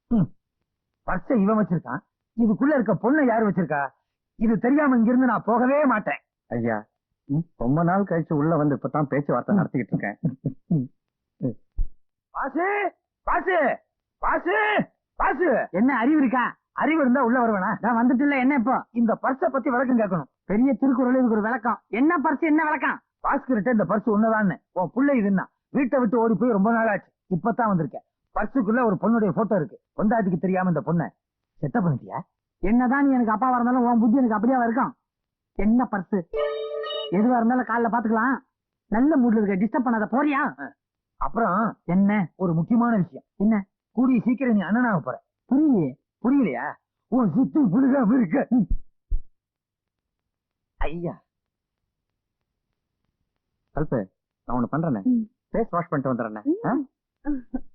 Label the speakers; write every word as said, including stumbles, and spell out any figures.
Speaker 1: பர்ஸ இவன் வச்சிருக்கான், இதுக்குள்ள இருக்க பொண்ணை யாரு வச்சிருக்கா? இது தெரியாம இங்கிருந்து நான் போகவே மாட்டேன்.
Speaker 2: ஐயா, ரொம்ப நாள் கழிச்சு உள்ள வந்து இப்பதான் பேச்சுவார்த்தை நடத்திக்கிட்டு இருக்கேன்.
Speaker 1: பாசு பாசு பாசு பாசு,
Speaker 3: என்ன அறிவு இருக்கா?
Speaker 1: அறிவு இருந்தா உள்ள வருவேனா?
Speaker 3: நான் வந்துட்டு இல்ல. என்ன இப்போ?
Speaker 1: இந்த பர்ஸ பத்தி விளக்கம் கேட்கணும்.
Speaker 3: பெரிய திருக்குறள் இதுக்கு ஒரு விளக்கம். என்ன பர்ஸ், என்ன விளக்கம்?
Speaker 1: பாஸ்கர்ட்ட இந்த பர்ஸ் உன்னதான்னு உன் புள்ள இதுன்னா வீட்டை விட்டு ஓடி போய் ரொம்ப நாள் ஆச்சு. இப்பதான் வந்திருக்கேன். பர்சுக்குள்ள ஒரு பொண்ணுடைய போட்டோ இருக்கு. பொண்டாட்டிக்கு தெரியாம இந்த பொண்ணை செட்டப் பண்ணிட்டியா?
Speaker 3: என்னதான் நீ எனக்கு அப்பாவா இருந்தாலும் உன் புத்தி எனக்கு அப்படியே இருக்கும். என்ன பர்ஸ்? எதுவா இருந்தாலும் காலைல பாத்துக்கலாம். நல்ல மூட்ல இருக்க, டிஸ்டர்ப் பண்ணாத. போறியா?
Speaker 1: அப்புறம்
Speaker 3: என்ன
Speaker 1: ஒரு முக்கியமான விஷயம்.
Speaker 3: என்ன?
Speaker 1: கூடிய சீக்கிரம் நீ அண்ணனாக போற.
Speaker 3: புரியலையே.
Speaker 1: புரியலையா? உன் சுத்தி புழுகாம இருக்க. ஐயா
Speaker 2: கல்பு, நான் ஒண்ணு பண்றேன். ஃபேஸ் வாஷ் பண்ணிட்டு வந்துடுறேன்.